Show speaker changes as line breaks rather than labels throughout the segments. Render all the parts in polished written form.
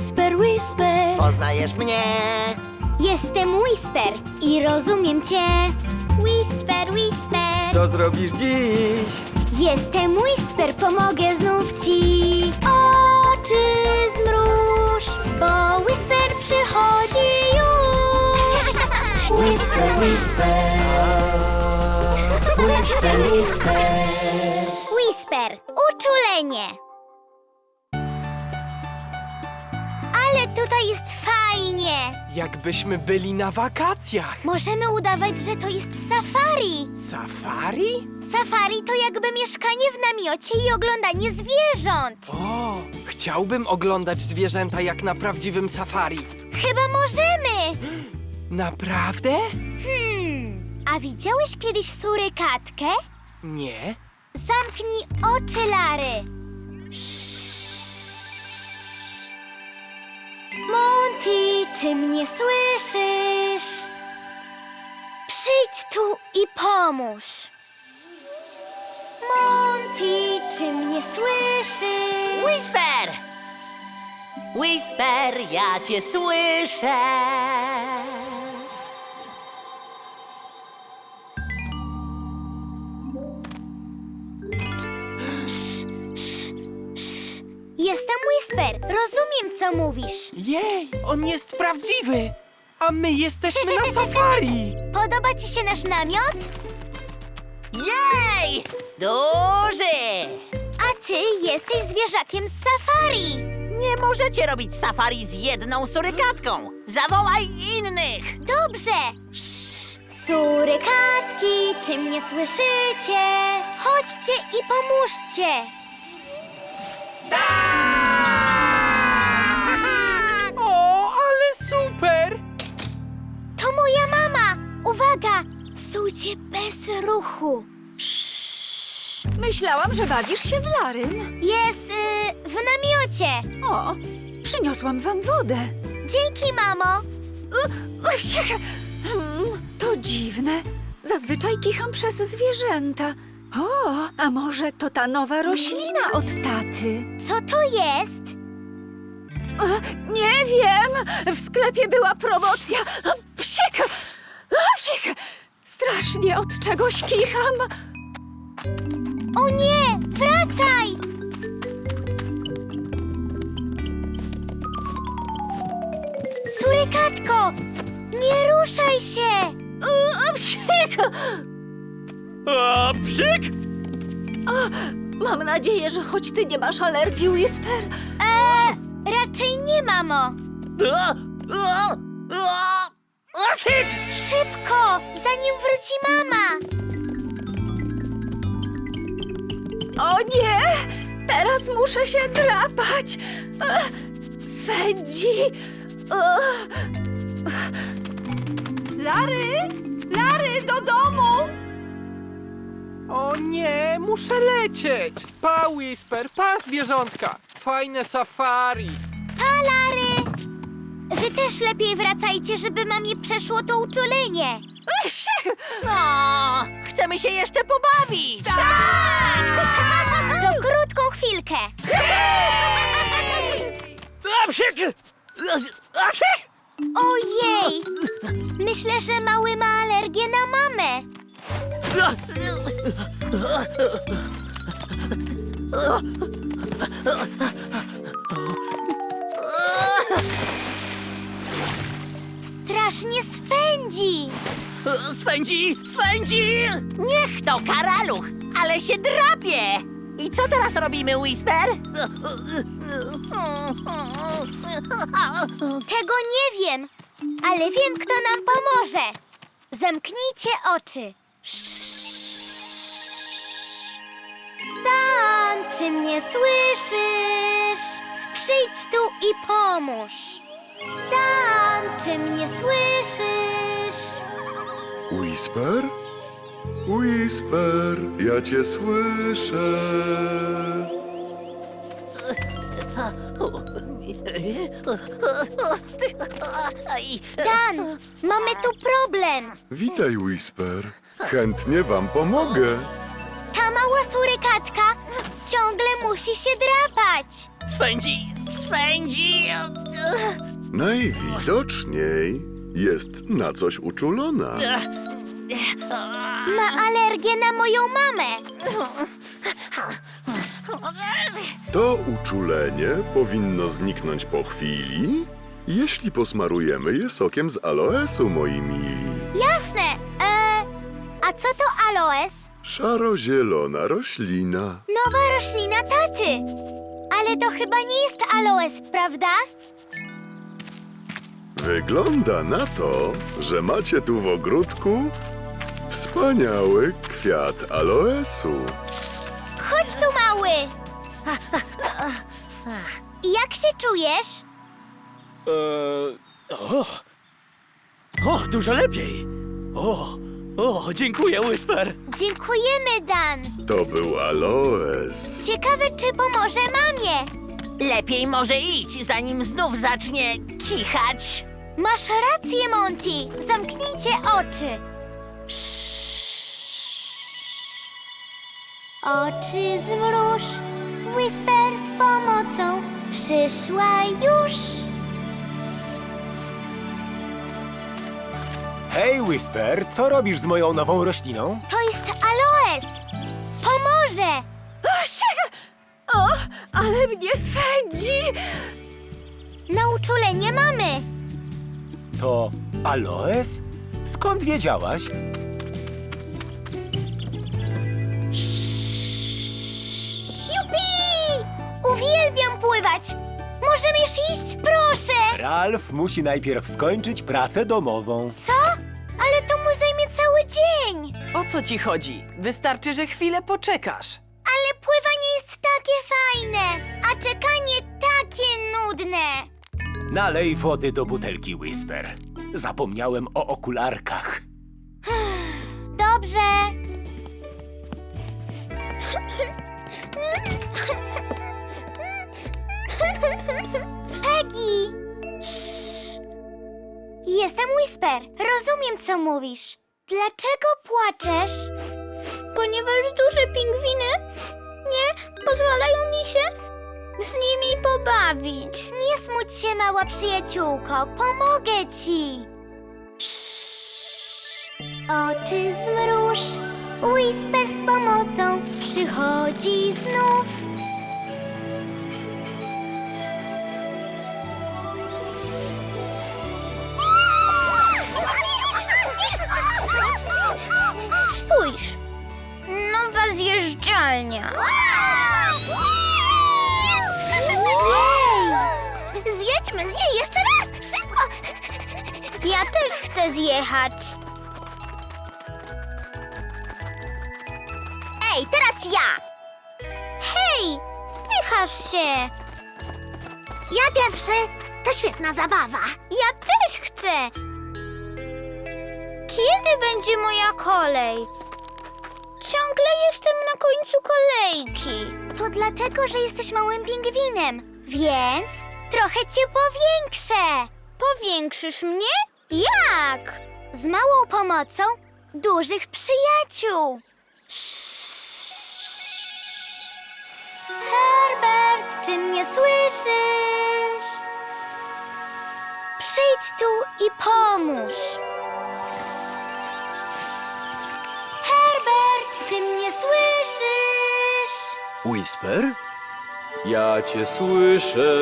Whisper, whisper.
Poznajesz mnie?
Jestem Whisper i rozumiem cię. Whisper, whisper.
Co zrobisz dziś?
Jestem Whisper, pomogę znów ci. Oczy zmruż, bo Whisper przychodzi już.
Whisper, whisper. Whisper, whisper.
Whisper, uczulenie. Ale tutaj jest fajnie.
Jakbyśmy byli na wakacjach.
Możemy udawać, że to jest safari.
Safari?
Safari to jakby mieszkanie w namiocie i oglądanie zwierząt.
O, chciałbym oglądać zwierzęta jak na prawdziwym safari.
Chyba możemy.
Naprawdę?
A widziałeś kiedyś surykatkę?
Nie.
Zamknij oczy, Lary. Monty, czy mnie słyszysz? Przyjdź tu i pomóż. Monty, czy mnie słyszysz?
Whisper! Whisper, ja cię słyszę.
Jestem Whisper. Rozumiem, co mówisz.
Jej, on jest prawdziwy. A my jesteśmy na safari.
Podoba ci się nasz namiot?
Jej! Duży!
A ty jesteś zwierzakiem z safari.
Nie możecie robić safari z jedną surykatką. Zawołaj innych!
Dobrze. Surykatki, czy mnie słyszycie? Chodźcie i pomóżcie.
O, ale super.
To moja mama. Uwaga, stójcie bez ruchu.
Myślałam, że bawisz się z Larym.
Jest w namiocie.
O, przyniosłam wam wodę.
Dzięki, mamo.
To dziwne. Zazwyczaj kicham przez zwierzęta. O, a może to ta nowa roślina od taty?
Co to jest?
Nie wiem. W sklepie była promocja. Psiek! Psiek! Strasznie od czegoś kicham.
O nie, wracaj! Surykatko, nie ruszaj się!
Psiek!
A, psik!
Mam nadzieję, że choć ty nie masz alergii, Whisper.
Raczej nie, mamo. Szybko, zanim wróci mama.
O nie! Teraz muszę się drapać! Swędzi! Lary! Lary, do domu!
O nie, muszę lecieć. Pa, Whisper, pa, zwierzątka. Fajne safari.
Pa, Lary! Wy też lepiej wracajcie, żeby mamie przeszło to uczulenie.
O, chcemy się jeszcze pobawić!
To krótką chwilkę. Ojej! Myślę, że mały ma alergię na mamę. Strasznie swędzi.
Swędzi! Swędzi! Niech to karaluch, ale się drapie! I co teraz robimy, Whisper?
Tego nie wiem, ale wiem, kto nam pomoże. Zamknijcie oczy. Dan, czy mnie słyszysz? Przyjdź tu i pomóż. Dan, czy mnie słyszysz?
Whisper? Whisper, ja cię słyszę.
Dan, mamy tu problem.
Witaj, Whisper. Chętnie wam pomogę.
Ta mała surykatka ciągle musi się drapać.
Swędzi!
Najwidoczniej jest na coś uczulona.
Ma alergię na moją mamę.
To uczulenie powinno zniknąć po chwili, jeśli posmarujemy je sokiem z aloesu, moi mili.
Jasne. A co to aloes?
Szaro-zielona roślina.
Nowa roślina taty. Ale to chyba nie jest aloes, prawda?
Wygląda na to, że macie tu w ogródku wspaniały kwiat aloesu.
Chodź tu, mały. Jak się czujesz?
Dużo lepiej. Dziękuję, Whisper.
Dziękujemy, Dan.
To był aloes.
Ciekawe, czy pomoże mamie.
Lepiej może idź, zanim znów zacznie kichać.
Masz rację, Monty. Zamknijcie oczy. Oczy zmruż. Whisper z pomocą przyszła już.
Hej, Whisper, co robisz z moją nową rośliną?
To jest aloes. Pomoże.
O, ale mnie swędzi!
Na uczulenie mamy.
To aloes? Skąd wiedziałaś?
Jupi! Uwielbiam pływać. Możesz iść, proszę.
Ralf musi najpierw skończyć pracę domową.
Co? Ale to mu zajmie cały dzień.
O co ci chodzi? Wystarczy, że chwilę poczekasz.
Ale pływanie jest takie fajne, a czekanie takie nudne.
Nalej wody do butelki, Whisper. Zapomniałem o okularkach.
Dobrze. Peggy! Jestem Whisper. Rozumiem, co mówisz. Dlaczego płaczesz? Ponieważ duże pingwiny nie pozwalają mi się z nimi pobawić. Nie smuć się, mała przyjaciółko. Pomogę ci. Oczy zmruż. Whisper z pomocą przychodzi znów. Spójrz. Nowa zjeżdżalnia. Zjedźmy z niej jeszcze raz! Szybko! Ja też chcę zjechać. Ej, teraz ja! Hej, wpychasz się! Ja pierwszy. To świetna zabawa. Ja też chcę. Kiedy będzie moja kolej? Ciągle jestem na końcu kolejki. To dlatego, że jesteś małym pingwinem, więc trochę cię powiększę. Powiększysz mnie? Jak? Z małą pomocą dużych przyjaciół. Herbert, czy mnie słyszysz? Przyjdź tu i pomóż. Herbert, czy mnie słyszysz?
Whisper? Ja cię słyszę.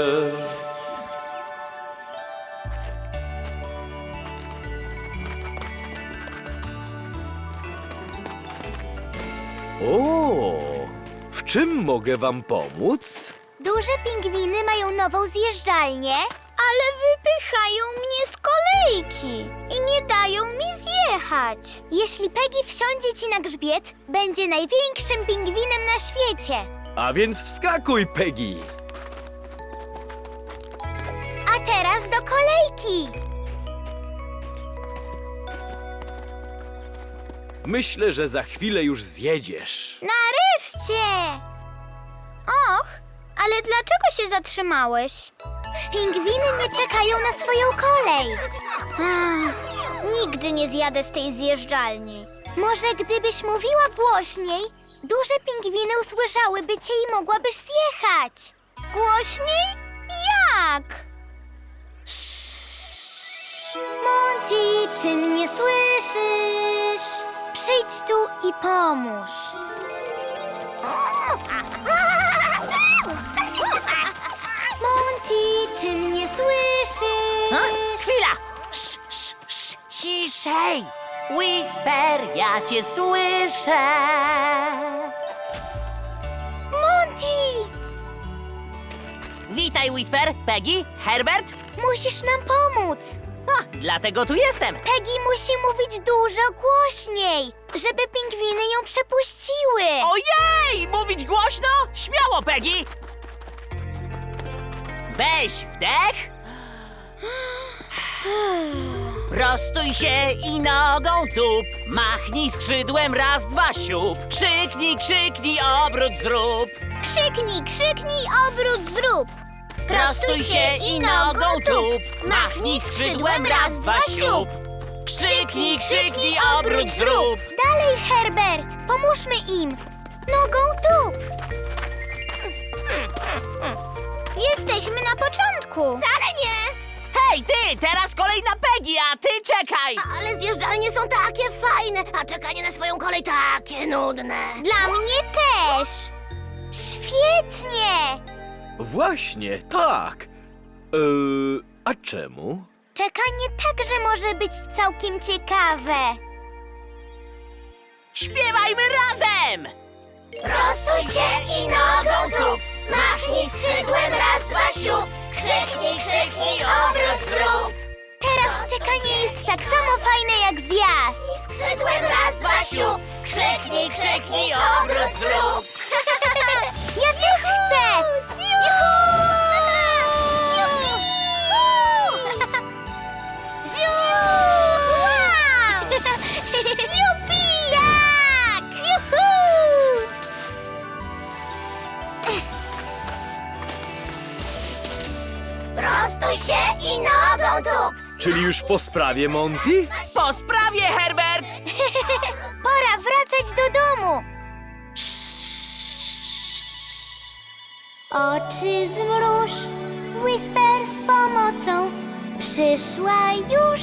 O, w czym mogę wam pomóc?
Duże pingwiny mają nową zjeżdżalnię, ale wypychają mnie z kolejki i nie dają mi zjechać. Jeśli Peggy wsiądzie ci na grzbiet, będzie największym pingwinem na świecie.
A więc wskakuj, Peggy!
A teraz do kolejki.
Myślę, że za chwilę już zjedziesz.
Nareszcie! Och, ale dlaczego się zatrzymałeś? Pingwiny nie czekają na swoją kolej. Nigdy nie zjadę z tej zjeżdżalni. Może gdybyś mówiła głośniej, duże pingwiny usłyszałyby cię i mogłabyś zjechać. Głośniej? Jak? Monty, czy mnie słyszysz? Przyjdź tu i pomóż. Monty, czy mnie słyszysz?
Chwila! Ciszej! Whisper, ja cię słyszę!
Monty!
Witaj, Whisper, Peggy, Herbert.
Musisz nam pomóc.
Dlatego tu jestem.
Peggy musi mówić dużo głośniej, żeby pingwiny ją przepuściły.
Ojej! Mówić głośno? Śmiało, Peggy! Weź wdech. Prostuj się i nogą tup. Machnij skrzydłem, raz, dwa, siup. Krzyknij, krzyknij, obrót zrób.
Krzyknij, krzyknij, obrót zrób.
Prostuj się i nogą tup. Machnij skrzydłem, raz, dwa, siup. Krzyknij, krzyknij, obrót zrób.
Dalej, Herbert, pomóżmy im. Nogą tup. Jesteśmy na początku. Wcale nie.
Hej, ty! Teraz kolej na Peggy, a ty czekaj!
Ale zjeżdżalnie są takie fajne, a czekanie na swoją kolej takie nudne. Dla mnie też. Świetnie.
Właśnie, tak. A czemu?
Czekanie także może być całkiem ciekawe.
Śpiewajmy razem!
Prostuj się i nogą tup. Machnij skrzydłem, raz, dwa, siup. Krzyknij, krzyknij, obrót zrób. Teraz czekanie jest tak samo fajne jak zjazd. Skrzydłem, raz, dwa, siup. Krzyknij, krzyknij, obrót zrób. Ja też chcę. Juhu! Ziu! Wow! Jupi! Tak! Juhu! Prostuj się i nogą tup.
Czyli już po sprawie, Monty?
Po sprawie, Herbert!
Pora wracać do domu. Oczy zmruż, Whisper z pomocą przyszła już.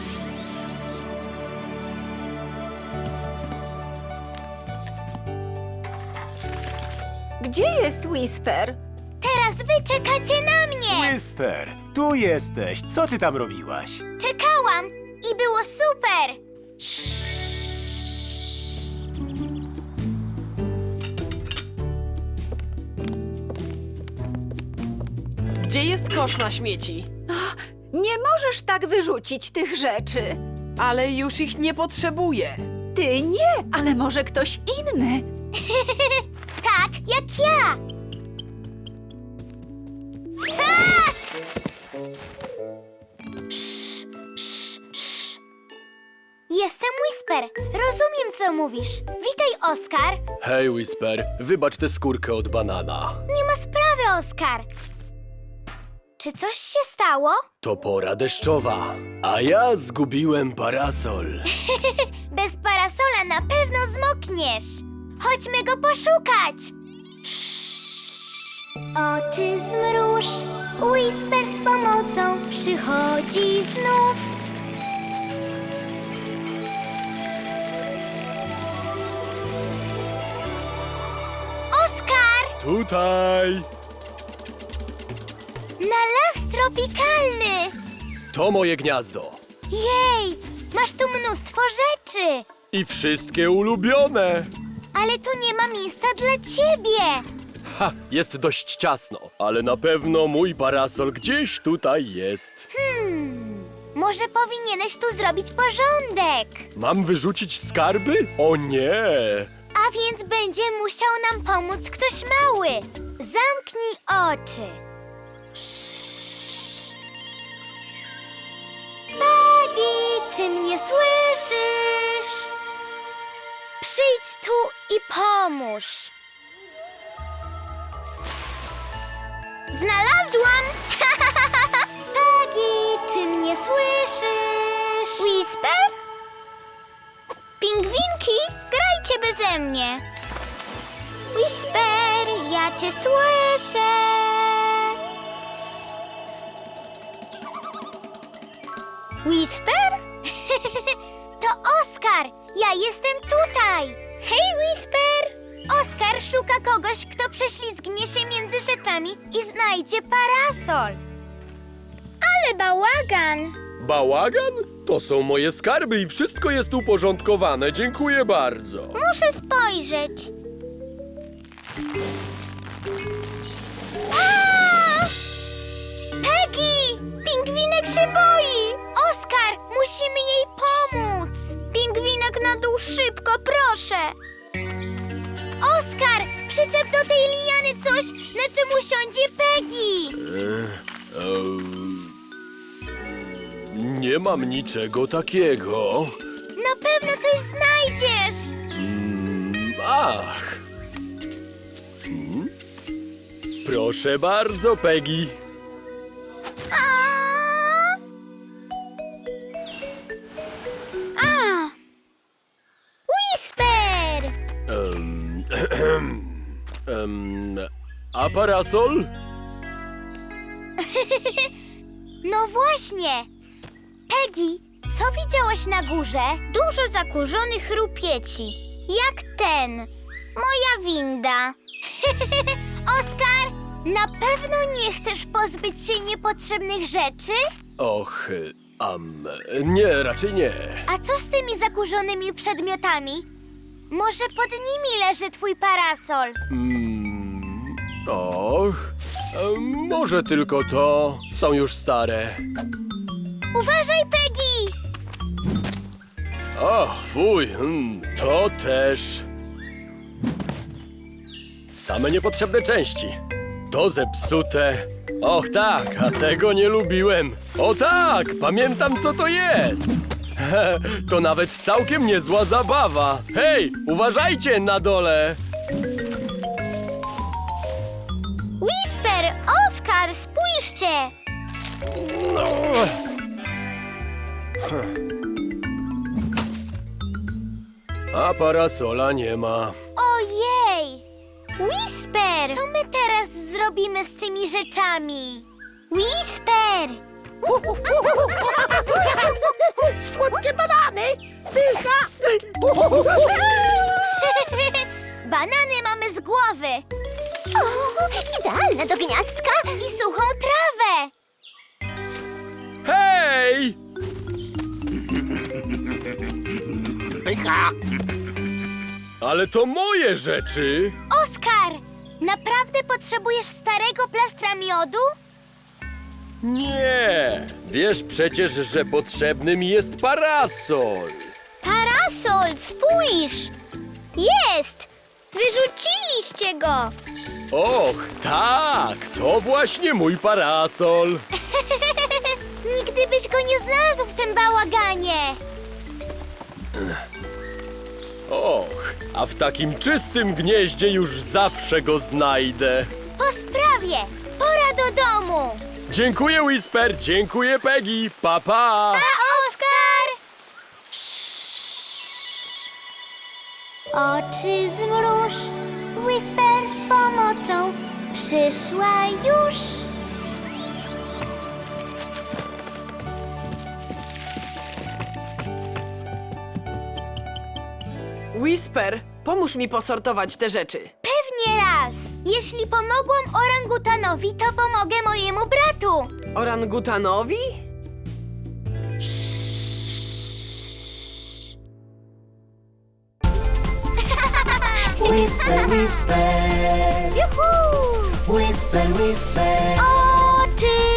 Gdzie jest Whisper?
Teraz wy czekacie na mnie.
Whisper, tu jesteś. Co ty tam robiłaś?
Czekałam i było super.
Gdzie jest kosz na śmieci?
Nie możesz tak wyrzucić tych rzeczy.
Ale już ich nie potrzebuję.
Ty nie, ale może ktoś inny.
Tak, jak ja. Ha! Jestem Whisper. Rozumiem, co mówisz. Witaj, Oskar.
Hej, Whisper, wybacz tę skórkę od banana.
Nie ma sprawy, Oskar. Czy coś się stało?
To pora deszczowa, a ja zgubiłem parasol.
Bez parasola na pewno zmokniesz. Chodźmy go poszukać. Oczy zmruż, Whisper z pomocą przychodzi znów. Oskar!
Tutaj!
Na las tropikalny!
To moje gniazdo.
Jej, masz tu mnóstwo rzeczy,
I wszystkie ulubione.
ale tu nie ma miejsca dla ciebie.
Ha, jest dość ciasno, ale na pewno mój parasol gdzieś tutaj jest.
Może powinieneś tu zrobić porządek.
Mam wyrzucić skarby? O nie!
A więc będzie musiał nam pomóc ktoś mały. Zamknij oczy. Peggy, czy mnie słyszysz? Przyjdź tu i pomóż. Znalazłam! Peggy, czy mnie słyszysz? Whisper? Pingwinki, grajcie beze mnie. Whisper, ja cię słyszę. Whisper? To Oskar! Ja jestem tutaj! Hej, Whisper! Oskar szuka kogoś, kto prześlizgnie się między rzeczami i znajdzie parasol. Ale bałagan!
Bałagan? To są moje skarby i wszystko jest uporządkowane. Dziękuję bardzo.
Muszę spojrzeć. A! Peggy! Pingwinek się boi! Oskar, musimy jej pomóc! Pingwinek na dół szybko, proszę! Oskar, przyczep do tej liany coś, na czym usiądzie Peggy!
Nie mam niczego takiego.
Na pewno coś znajdziesz!
Ach. Proszę bardzo, Peggy.
A! Whisper!
A parasol?
No właśnie! Peggy, co widziałaś na górze? Dużo zakurzonych rupieci. Jak ten. Moja winda. Oskar, na pewno nie chcesz pozbyć się niepotrzebnych rzeczy?
Och, nie, raczej nie.
A co z tymi zakurzonymi przedmiotami? Może pod nimi leży twój parasol?
Och, może tylko to. Są już stare.
Uważaj, Peggy!
O, fuj, to też. Same niepotrzebne części. To zepsute. Och tak, a tego nie lubiłem. O tak, pamiętam co to jest. To nawet całkiem niezła zabawa. Hej, uważajcie na dole.
Whisper, Oskar, spójrzcie!
A parasola nie ma.
Ojej! Whisper! Co my teraz zrobimy z tymi rzeczami? Whisper!
Słodkie banany! Pycha!
Banany mamy z głowy! O, idealne do gniazdka! I suchą trawę!
Hej!
Pycha!
Ale to moje rzeczy.
Oskar! Naprawdę potrzebujesz starego plastra miodu?
Nie! Wiesz przecież, że potrzebny mi jest parasol.
Parasol, spójrz! Jest! Wyrzuciliście go!
Och, tak! To właśnie mój parasol.
Nigdy byś go nie znalazł w tym bałaganie!
Och, a w takim czystym gnieździe już zawsze go znajdę.
Po sprawie! Pora do domu!
Dziękuję, Whisper, dziękuję, Peggy. Pa, pa!
A Oskar! Oczy zmruż, Whisper z pomocą przyszła już.
Whisper, pomóż mi posortować te rzeczy.
Pewnie, Ralf. Jeśli pomogłam orangutanowi, to pomogę mojemu bratu.
Orangutanowi?
Whisper, whisper,
Juhu!
whisper, whisper.
Oczy